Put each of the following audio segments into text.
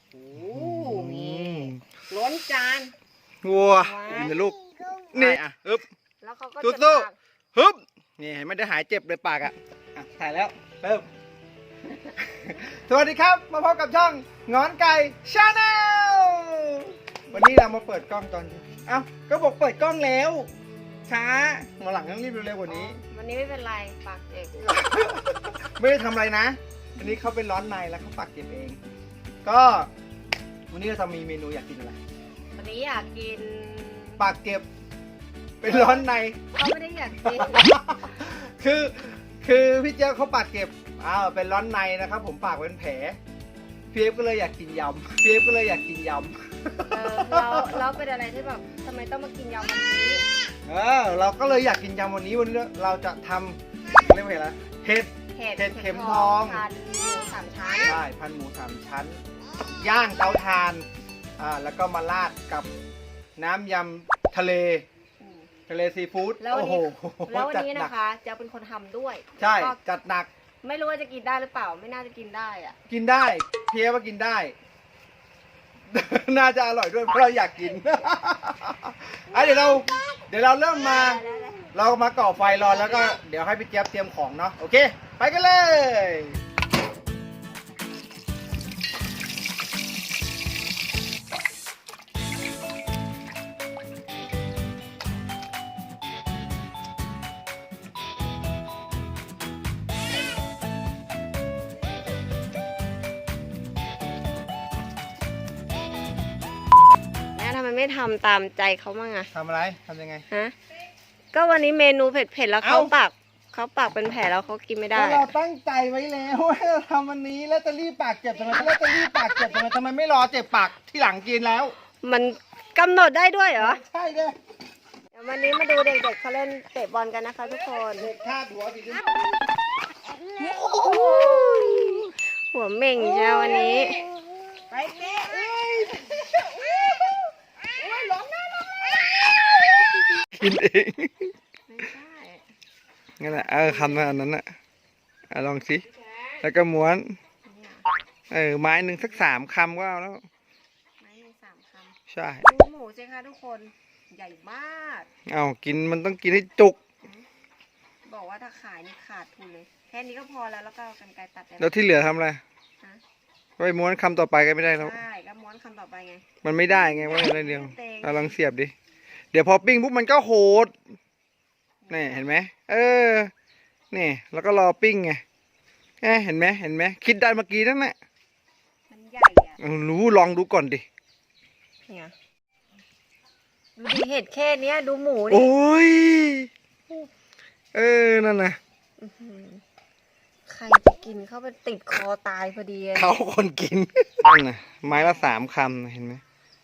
โอ้นี่ล้นจานวัวกินนะลูกนี่อ่ะฮึบแล้วเขาก็สู้จะตักๆฮึบนี่ไม่ได้หายเจ็บเลยปากอ่ะถ่ายแล้วเริ่ม สวัสดีครับมาพบกับช่องงอนไก่ชาแนลวันนี้เรามาเปิดกล้องตอนเอ้าก็บอกเปิดกล้องแล้วช้ามาหลังต้องรีบเร็วๆกว่านี้วันนี้ไม่เป็นไรปากเจ็บไม่ได้ทำอะไรนะอันนี้เขาเป็นร้อนในแล้วเขาปักเก็บเอง ก็วันนี้เราจะมีเมนูอยากกินอะไรวันนี้อยากกินปากเก็บ เป็นร้อนในเขาไม่ได้อยากกินคือพี่เจ้าเขาปากเก็บเป็นร้อนในนะครับ ผมปากเป็นแผลพี่เอฟก็เลยอยากกินยำพี่เอฟก็เลยอยากกินยำเราเป็นอะไรที่แบบทำไมต้องมากินยำวันนี้เราก็เลยอยากกินยำวันนี้เราจะทำเรียกว่าอะไรเห็ด เห็ดเข็มทองพันหมูสามชั้นใช่พันหมูสามชั้น ย่างเตาถ่านแล้วก็มาราดกับน้ำยำทะเลซีฟู้ดแล้ววันโอ้นี้โหแล้ววันนี้จัดหนะคะจะเป็นคนทำด้วยใช่แล้วก็จัดหนักไม่รู้ว่าจะกินได้หรือเปล่าไม่น่าจะกินได้อะกินได้เพียว่ากินได้ น่าจะอร่อยด้วยเพราะเราอยากกิน เดี๋ยวเราเริ่มมา เรามาก่อไฟรอแล้วก็เดี๋ยวให้พี่เจี๊ยบเตรียมของเนาะโอเค ไปกันเลยแม่ทำไมไม่ทำตามใจเขาบ้างอะทำอะไรทำยังไงฮะก็วันนี้เมนูเผ็ดๆแล้วเขาเอ้าปากเป็นแผลแล้วเขากินไม่ได้ก็เราตั้งใจไว้แล้วว่าเราทำวันนี้แล้วจะรีบปากเจ็บทำไมแล้วจะรีบปากเจ็บทำไมไม่รอเจ็บปากที่หลังกินแล้วมันกำหนดได้ด้วยเหรอใช่เลยเดี๋ยววันนี้มาดูเด็กๆเขาเล่นเตะบอลกันนะคะทุกคนเด็กคาดหัวสีชมพูหัวเหม่งใช่ไหมวันนี้ไปเจ๊กินเองไม่ใช่งั้นแหละคำนั้นน่ะลองสิแล้วก็ม้วนไม้หนึ่งสัก3 คำก็เอาแล้วไม่มี3 คำใช่ดูหมูสิคะทุกคนใหญ่มากกินมันต้องกินให้จุกบอกว่าถ้าขายนี่ขาดทุนเลย แค่นี้ก็พอแล้วก็เอากรรไกรตัดได้แล้วที่เหลือทำอะไรฮะไปม้วนคำต่อไปก็ไม่ได้แล้วใช่ก็ม้วนคำต่อไปไงมันไม่ได้ไงว่าอะไรเดียวลองเสียบดิเดี๋ยวพอปิ้งปุ๊บมันก็โหดนี่เห็นไหมนี่แล้วก็รอปิ้งไงเห็นไหมคิดได้เมื่อกี้นั่นแหละมันใหญ่อะรู้ลองดูก่อนดิเนี่ยดูดิเห็ดแค่เนี้ยดูหมูโอ้นี่ยนั่นนะอื้อหือใครจะกินเข้าไปติดคอตายพอดีอะเขาคนกินนั่นนะไม้ละ3 คำนะเห็นไหม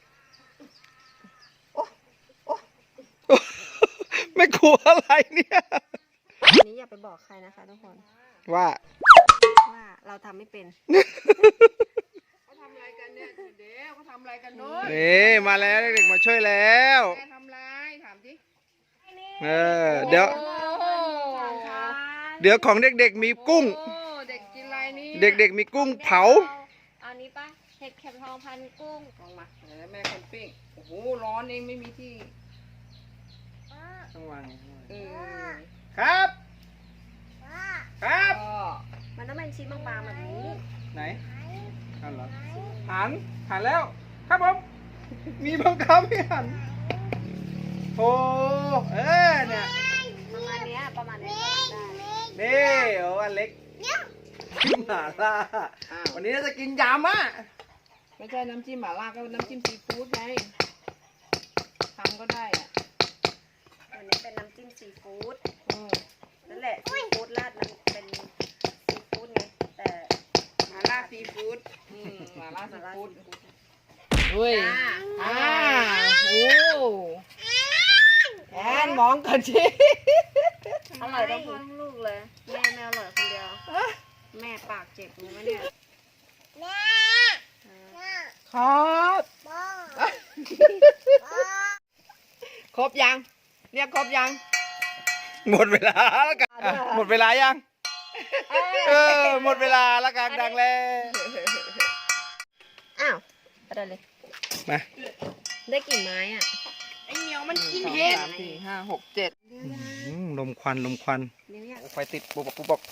ไม่กลัวอะไรเนี่ยอันนี้อย่าไปบอกใครนะคะทุกคนว่าว่าเราทำไม่เป็นเขาทำอะไรกันเนี่ยเดี๋ยวเขาทำอะไรกันโน้นนี่มาแล้วเด็กๆมาช่วยแล้วแม่ทำอะไรถามสิเดี๋ยวโอ้เดี๋ยวของเด็กๆมีกุ้งโอ้เด็กกินอะไรนี่เด็กๆมีกุ้งเผาอันนี้ปะเห็ดเข็มทองพันกุ้งลองมาเดี๋ยวแม่คนปิ้งโอ้โหร้อนเองไม่มีที่ต้องวางเออครับ ครับก็มันต้องเป็นชิ้นบางๆแบบนี้ไหนหันเหรอหันแล้ว ครับผมมีบังคับให้หันโอ้เนี่ยประมาณเนี้ยก็ได้นี่อันเล็กกินหม่าล่าวันนี้เราจะกินยำอ่ะไม่ใช่น้ำจิ้มหม่าล่าก็น้ำจิ้มซีฟู้ดไงทำก็ได้อะวันนี้เป็นน้ำจิ้มซีฟู้ดอืมนั่นแหละซีฟู้ดราดมันเป็นซีฟู้ดไงแต่หม่าล่าซีฟู้ดหม่าล่าซีมาราดฟู้ดซีฟู้ดเฮ้ยจ้าโอ้แอนมองกันสิอร่อยทั้งลูกเลย แม่ไม่อร่อยคนเดียว แม่ปากเจ็บรู้ไหมเนี่ยครับ ครบยังเรียกครบยังหมดเวลาแล้วกันหมดเวลายังหมดเวลาแล้วกันดังแล้วอ้าวเลยมาได้กี่ไม้อ่ะไอ้เหนียวมันกินเห็ด4 5 6 7 ลมควันลมควันเดี๋ยวอยากไฟติดปุ๊บปุ๊บปุ๊บ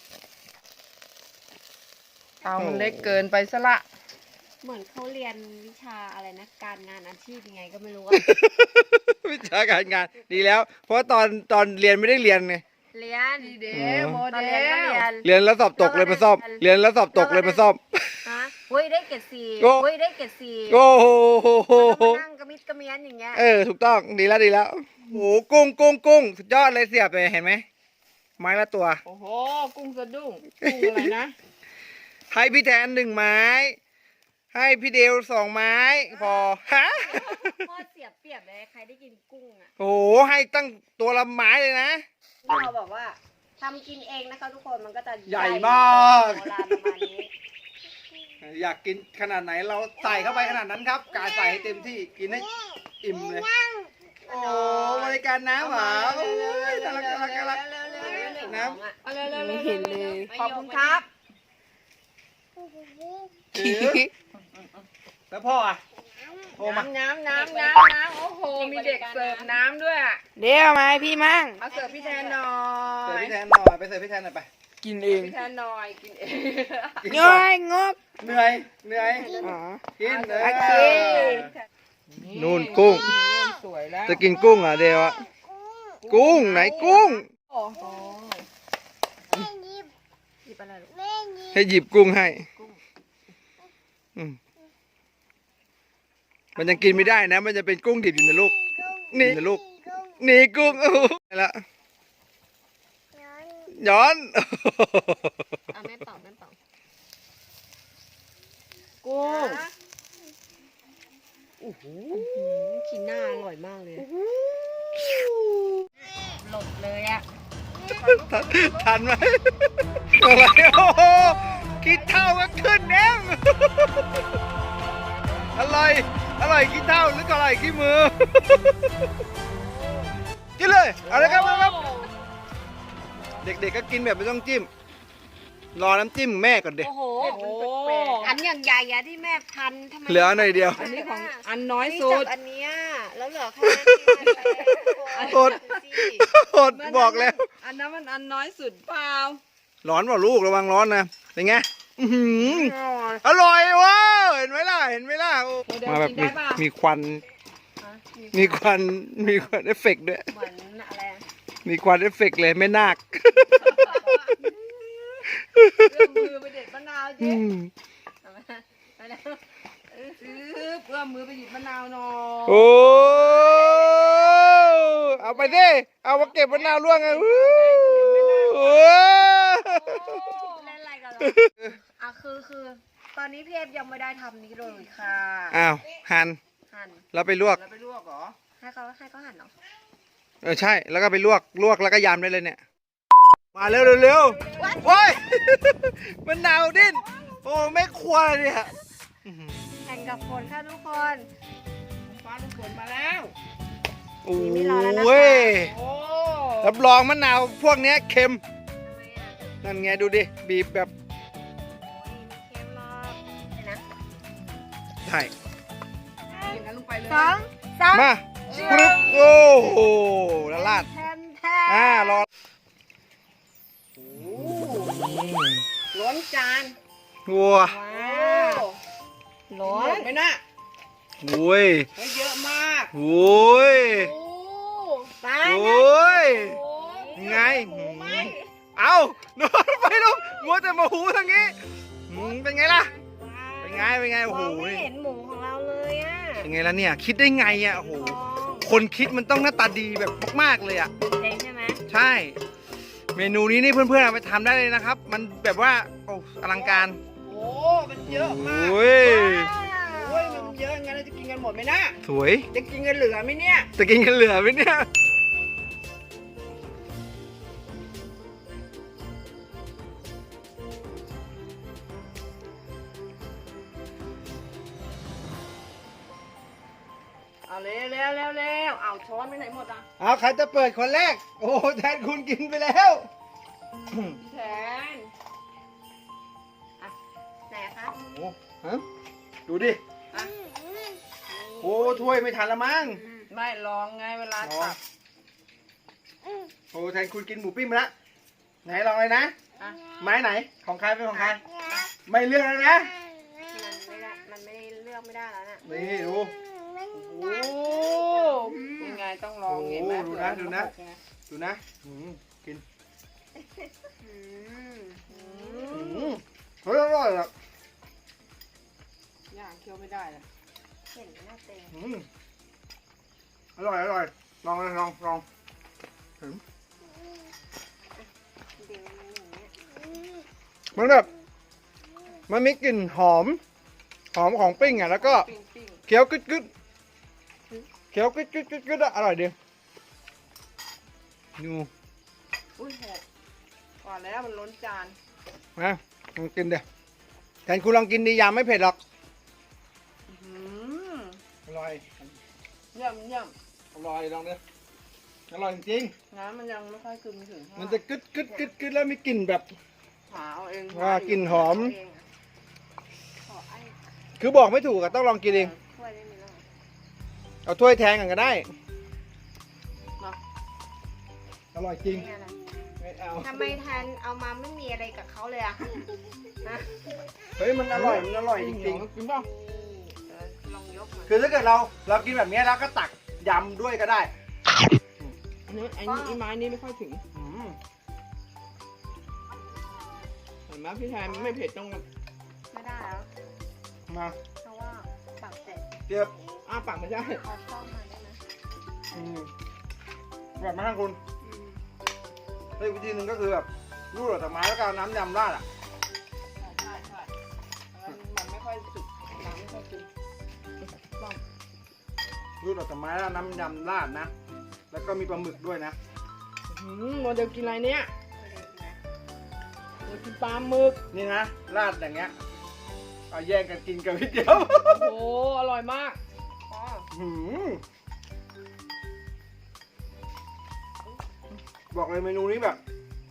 เอามันเล็กเกินไปซะละเหมือนเขาเรียนวิชาอะไรนะ การงานอาชีพยังไงก็ไม่รู้อะวิชาการงานดีแล้ว เพราะตอนเรียนไม่ได้เรียนไงเรียนดีเดอ๋อโมตอนเดเรียนก็ลเรียนเรียนแล้วสอบตกเลยมาซ่อม เรียนแล้วสอบตกเลยมาซ่อมฮะเฮ้ยได้เกรดสี่โอ้เฮ้ยได้เกรดสี่โอ้โหแล้วมานั่งกระมิดกระเมียนอย่างเงี้ยถูกต้องดีแล้วดีแล้วโอ้โหกุ้งสุดยอดเลยเสียบเลยเห็นไหมไม้ละตัวโอ้โห กุ้งสะดุ้ง กุ้งอะไรนะให้พี่แทน1 ไม้ ให้พี่เดว2 ไม้ พอฮะพ่อเสียเปรียบเลยใครได้กินกุ้งอ่ะโอ้โหให้ตั้งตัวละไม้เลยนะเราแบบว่าทำกินเองนะคะทุกคนมันก็จะใหญ่มากโบราณประมาณนี้อยากกินขนาดไหนเราใส่เข้าไปขนาดนั้นครับกาใส่ให้เต็มที่กินให้อิ่มเลย โอ้บริการน้ำเหรอโอ้ยน่ารักน่ารักน่ารักน้ำเอาเร็วๆเห็นเลยขอบคุณครับถือแล้วพ่ออ่ะโทรมาน้ำโอ้โห มีเด็กเสิร์ฟน้ำด้วยอะเดี๋ยวมาให้พี่มั่งเอาเสิร์ฟพี่แทนหน่อเสิร์ฟยพี่แทนหน่อยไปเสิร์ฟพี่แทนหน่อยไปกินเองพี่แทนหน่อย กินเองกินงก่อนอยงกเหนื่อยอ๋อกินเลยโอเคนู่นกุ้งสวยแล้วจะกินกุ้งเหรอเดียวอะกุ้งไหนกุ้งโอ้โหหยิบอะไรลูกให้หยิบกุ้งให้อืมมันยังกินไม่ได้นะ มันจะเป็นกุ้งดิบอยู่นะลูกนี่นะลูกนี่กุ้งโอ้โหแล้วย้อนอ่ะแม่เป่าแม่เป่ากุ้งขีน่าอร่อยมากเลยหลดเลยอ่ะทันไหมอะไรโอ้โหกินเท่าก็ขึ้นเองอร่อยกินเท่าหรือก็อร่อยขี้มือกินเลยเอาเลยครับเอาเลยครับ เด็กๆก็กินแบบไม่ต้องจิ้ม รอน้ำจิ้มแม่ก่อนเด็กโอ้โหโอ้อันอย่างใหญ่อะที่แม่พันทำไมเหลือหน่อยเดียวอันนี้ของอันน้อยนี่สุจัดบอันเนี้ยแล้วเหลือแค่นั้นอด อดบอกแล้วอันนั้นมันอันน้อยสุดเปล่าร้อนเปล่าลูกระวังร้อนนะเป็นไงอื้อหืออร่อยว้าวเห็นไหมล่ะโอ้มาแบบมีควันมีควันเอฟเฟกต์ด้วยเหมือนอะไรอะมีควันเอฟเฟกต์เลยไม่นาคเอื้อมมือไปเด็ดมะนาวเจ๊เอามาเอาแล้วเอื้อมมือไปหยิบมะนาวหน่อยโอ้เอาไปดิเอามาเก็บมะนาวร่วงไงโอ้เล่นอะไรกันเหรออ่ะคือตอนนี้พี่เอฟยังไม่ได้ทำนี้เลยค่ะอ้าวหั่นหั่นแล้วไปลวกแล้วไปลวกเหรอให้เขาหั่นเนาะใช่แล้วก็ไปลวกแล้วก็ยำได้เลยเนี่ยมาเร็วโอ้ย มะนาวดิ้นโอ้ไม่ควรเนี่ยแข่งกับฝนค่ะทุกคนฟ้าลูกฝนมาแล้วโอ้ไม่รอแล้วนะคะยโอ้รับรองมะนาวพวกเนี้ยเค็มทำไมอ่ะนั่นไงดูดิบีบแบบโอ้ยมีเค็มหรอกเห็นนะใช่อย่างนั้นลงไปเลยสองสามมาปึ๊บโอ้โหละลาดแทนแทนรอล้นจานวัวว้าโอ้วร้อหมนดไหมน่ะโอ้ยเฮ้ยเยอะมากโอ้ยโอ้ไปโอ้ยโหไง เอาโดนไปลูกมัวแต่มาหูทางนี้เป็นไงล่ะ เป็นไงโอ้โหมองไม่เห็นหมูของเราเลยอ่ะเป็นไงล่ะเนี่ย คิดได้ไงอ่ะโอ้โห คนคิดมันต้องหน้าตาดีแบบมากๆเลยอ่ะเจ๋งใช่ไหมใช่ เมนูนี้นี่เพื่อนๆเอาไปทำได้เลยนะครับ มันแบบว่าโอ้อลังการโอ้มันเยอะมากโอ้ยโอ้ยมันเยอะงั้นเราจะกินกันหมดไหมนะสวยจะกินกันเหลือไหมเนี่ยจะกินกันเหลือไหมเนี่ยเอาเร็วเอาช้อนไปไหนหมดอ่ะเอาใครจะเปิดคนแรก โอ้แทนคุณกินไปแล้วพี่แทนไหนคะโอ้ฮะดูดิอ่ะโอ้ถ้วยไม่ทันละมั้งไม่ลองไงเวลาตักโอ้แทนคุณกินหมูปิ้งมาละไหนลองเลยนะอ่ะไม้ไหนของใครเป็นของใครไม่เลือกแล้วนะมันไม่เลือกไม่ได้แล้วน่ะนี่ดูโอ้ยังไงต้องลองเห็นไหมดูนะดูนะดูนะกินอืมเฮ้ยอร่อยอ่ะย่างเคี้ยวไม่ได้เลยเห็นหน้าเต็มอร่อยอร่อยลองเลยลองเดี๋ยวมันอย่างเงี้ยมันแบบมันมีกลิ่นหอมของปิ้งอ่ะแล้วก็ปิ้งเคี้ยวกึดกึดเคี้ยวกึดกึดกึดกึดอ่ะอร่อยดีดูอุ้ยหกก่อนแล้วมันล้นจานนะลองกินเดี๋ยวแทนคุณลองกินดียามไม่เผ็ดหรอกอืมอร่อยเยี่ยมเยี่ยมอร่อยลองดิอร่อยจริงน้ำมันยังไม่ค่อยซึมถึงมันจะกึดกึดกึดกึดแล้วมีกลิ่นแบบหาเอาเองว่ากลิ่นหอมเองอะขอไอ้คือบอกไม่ถูกอะต้องลองกินเองถ้วยได้ไหมล่ะเอาถ้วยแทงกันก็ได้มาอร่อยจริงนี่อะไรไม่เอาทำไมแทนเอามาไม่มีอะไรกับเขาเลยอะนะเฮ้ยมันอร่อยมันอร่อยจริงกินป่ะเออลองยกมาๆคือถ้าเกิดเรากินแบบนี้แล้วก็ตักยำด้วยก็ได้อันนี้ไอ้ไม้นี้ไม่ค่อยถึงอืมเห็นไหมพี่ชายไม่เผ็ดต้องไม่ได้แล้วมาเพราะว่าปากเสร็จเจี๊ยบอ้าปากไม่ได้เอาซ่อมมาได้ไหมแบบมาให้คุณอืมเฮ้ยวิธีหนึ่งก็คือแบบรูดออกจากไม้แล้วก็เอาน้ำยำราดอ่ะใช่มันไม่ค่อยสุกน้ำไม่ค่อยซึมต้องรูดออกจากไม้แล้วน้ำยำราดนะ แล้วก็มีปลาหมึกด้วยนะโมเดลกินอะไรเนี่ยไม่ได้นะโมเดลกินปลาหมึกนี่นะราดอย่างเงี้ยเอาแย่งกันกินกันนิดเดียวโอ้อร่อยมากอ๋อหืมบอกเลยเมนูนี้แบบ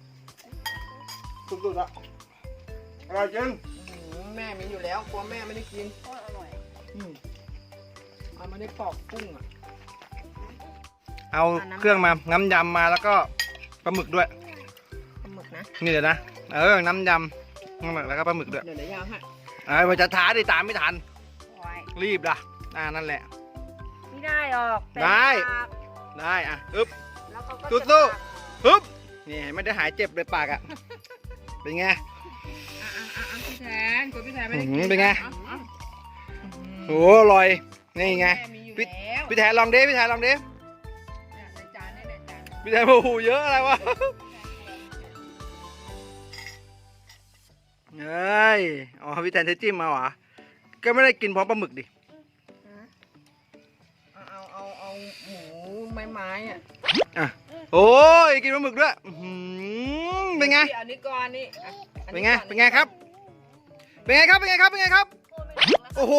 สุดๆอะอร่อยจริงแม่มีอยู่แล้วกลัวแม่ไม่ได้กินโคตรอร่อยเอามาได้ปอกกุ้งอ่ะเอาเครื่องมาน้ำยำมาแล้วก็ปลาหมึกด้วยปลาหมึกนะนี่เดี๋ยวนะน้ำยำน้ำหมึกแล้วก็ปลาหมึกด้วยเดี๋ยวย่างให้มันจะท้าดิตามไม่ทันโอ้ยรีบล่ะนั่นแหละไม่ได้หรอกเป็นได้ปากได้อ่ะอึ๊บแล้วเขาก็สู้จะๆ ฮึบนี่ไม่ได้หายเจ็บเลยปากอ่ะเป็นไงพี่แทนกลัวพี่แทนไม่ได้อื้อหืกิอน เป็นไง โอ้อร่อยนี่ไงแม่มีอยู่แล้วพี่แทนลองดิพี่แทนลองดิในจานนี่จานพี่แทนโอ้โหเยอะอะไรวะเฮ้ยอ๋อพี่แทนใช้จิ้มมาเหรอก็ไม่ได้กินพร้อมปลาหมึกดิเอาหมูไม้อ่ะอ่ะโอ้ยกินปลาหมึกด้วยอื้อหือเป็นไงอันนี้ก่อนนี่เป็นไงเป็นไงครับเป็นไงครับเป็นไงครับเป็นไงครับพูดไม่ถูกแล้วโอ้โห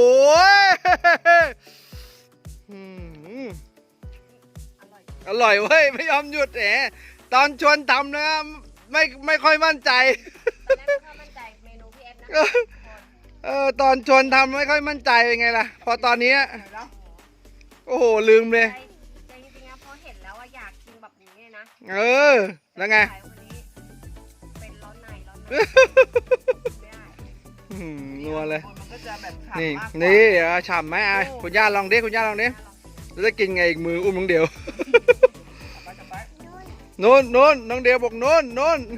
อืมอร่อยอร่อยเว้ยไม่ยอมหยุดแหมตอนชวนทำนะไม่ค่อยมั่นใจตอนแรกไม่ค่อยมั่นใจเมนูพี่เอฟนะตอนชวนทำไม่ค่อยมั่นใจเป็นไงล่ะ พอตอนนี้โอ้โหลืมเลยใจจริงๆนะเพราะเห็นแล้วว่าอยากกินแบบนี้เลยนะแล้วไงขายคนนี้เป็นร้อนในไม่ได้นัวเลยมันก็จะแบบนี่นี่ฉ่ำไหมคุณย่าลองดิคุณย่าลองดิแล้วจะกินไงอีกมืออุ้มน้องเดียวโน้นน้องเดียวบอกโน้น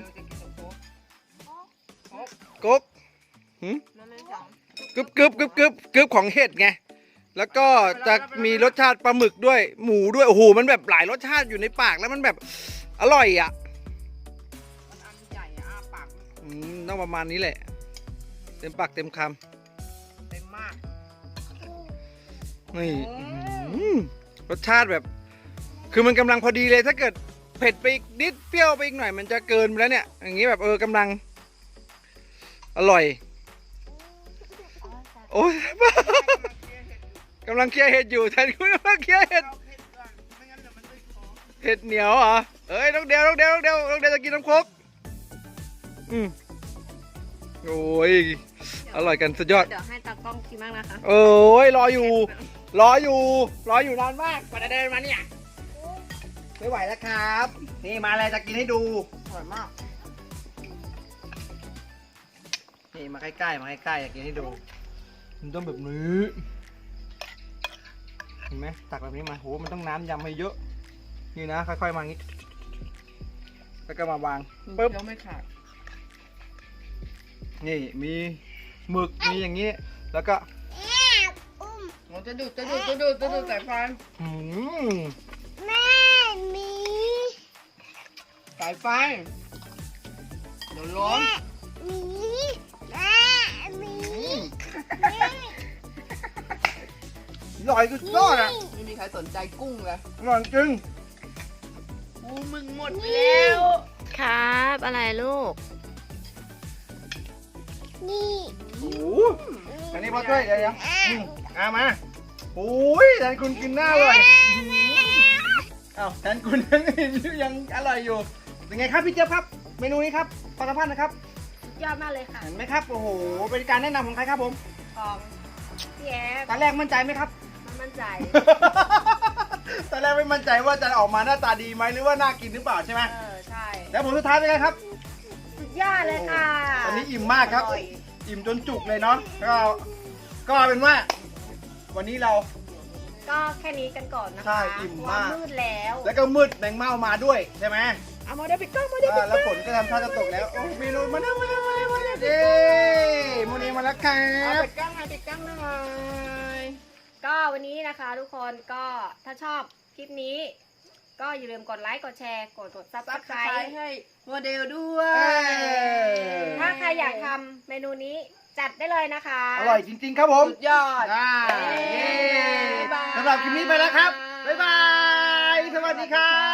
ก๊กมันไม่จังกึบของเห็ดไงแล้วก็จะมีรสชาติปลาหมึกด้วยหมูด้วยโอ้โหมันแบบหลายรสชาติอยู่ในปากแล้วมันแบบอร่อยอ่ะมันอันใหญ่อ้าปากต้องประมาณนี้แหละเต็มปากเต็มคเต็มมากำนี่รสชาติแบบ คือมันกำลังพอดีเลยถ้าเกิดเผ็ดไปอีกนิดเปรี้ยวไปอีกหน่อยมันจะเกินไปแล้วเนี่ยอย่างนี้แบบกำลังอร่อยโอ้ยกำลังเคลียร์เห็ดอยู่แทนคุณกำลังเคลียร์เห็ดเห็ดเหนียวเหรอน้องเดียวจะกินน้ำโคกโอ้ยออร่อยกันสุดยอดเดี๋ยวให้ตากล้องชิมบ้างนะคะเอ้ยรออยู่นานมากกว่าจะเดินมาเนี่ยไม่ไหวแล้วครับ นี่มาอะไรจะกินให้ดูอร่อยมากนี่มาใกล้ๆอยากกินให้ดูมันต้องแบบนี้เห็นไหมตักแบบนี้มาโหมันต้องน้ำยำให้เยอะนี่นะค่อยๆมางี้แล้วก็มาวางปึ๊บเคี้ยวไม่ขาดนี่มีหมึกมีอย่างนี้ แล้วก็โอ้จะดูดสายไฟอืมสายไฟเดี๋ยวล้มอร่อยสุดยอดอ่ะไม่มีใครสนใจกุ้งเลยอร่อยจริงกูมึงหมดไปแล้วครับอะไรลูกโอ้โหอันนี้พ่อช่วยเดี๋ยวเอามาโอ้ยแทนคุณกินหน้าเลยอ้าวแทนคุณยังอร่อยอยู่เป็นไงครับพี่เจี๊ยบครับ เมนูนี้ครับปลากระพันนะครับยอดมากเลยค่ะเห็นไหมครับโอ้โหเป็นการแนะนำของใครครับผมของพี่แอฟตอนแรกมั่นใจไหมครับมันมั่นใจตอนแรกไม่มั่นใจว่าจะออกมาหน้าตาดีไหมหรือว่าน่ากินหรือเปล่าใช่ไหมใช่แล้วผลสุดท้ายเป็นไงครับสุดยอดเลยค่ะตอนนี้อิ่มมากครับออยอิ่มจนจุกเลยเนาะก็เป็นว่า วันนี้เราก็แค่นี้กันก่อนนะคะใช่อิ่มมากเพระว่มืดแล้วแล้วก็มืดแมงเม่ามาด้วยใช่ไหมเอามาเดี๋ยวปิดกล้องมาเดี๋ยวปิดกแล้ล้ว องฝนก็ทำท่าจะตกแล้วโอ้เมนูมาแล้วเย้โมนีมาแล้วครัเอาบปิดกล้องหน่อยปิดกล้องหน่อยก็วันนี้นะคะทุกคนก็ถ้าชอบคลิปนี้ ก็อย่าลืมกดไลค์กดแชร์กดซับสซับไคสรไครต์ต์ให้โมเดลด้วยเอ้ยถ้าใครอยากทำเมนูนี้จัดได้เลยนะคะอร่อยจริงๆครับผมสุดยอดอ่าเย้เย้บ๊ายบายสำหรับคลิปนี้ไปแล้วครับ บ๊ายบาย สวัสดีครับ